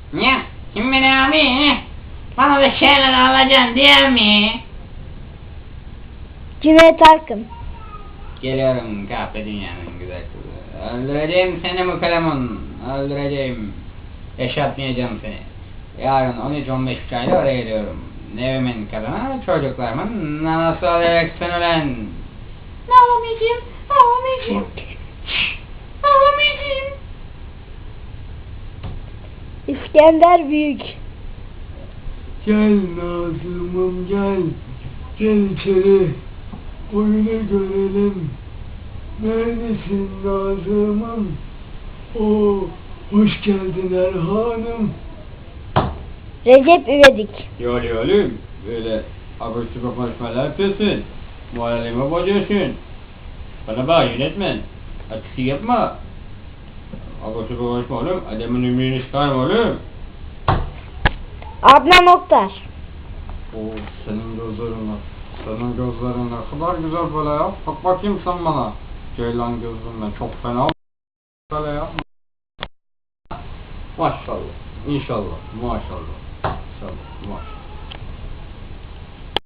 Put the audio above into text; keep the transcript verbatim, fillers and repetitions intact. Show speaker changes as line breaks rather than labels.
Ya kim beni abi? Bana bir şeyler alacaksın diye mi?
Cüneyt Arkın.
Geliyorum kahpe dünyanın güzel kızı. Öldüreceğim seni Mukalemun. Öldüreceğim. Yaşatmayacağım seni. Yarın on üç on beş uçağıyla oraya geliyorum. Evimin kadına çocuklarımın nanası olacaksın ulan. Ağlamayacağım. Ağlamayacağım. Ağlamayacağım.
İskender Büyük.
Gel Nazım'ım gel. Gel içeri. Oyunu görelim. Neredesin Nazım'ım? Oo, hoş geldin Erhan'ım.
Recep İvedik.
Yoli yoli böyle abur subur konuşmalar yapıyorsun. Moralimi bozuyorsun. Bana bak yönetmen. Atışı yapma. Abur subur konuşma oğlum. Adamın ümrünü çıkarma oğlum.
Adnan Oktar.
Oo, senin gözlerin var. Senin gözlerin ne kadar güzel böyle ya. Bak bakayım sen bana. Ceylan gözlüm ben çok fena böyle ya.
Maşallah. İnşallah. Maşallah. İnşallah. Maşallah.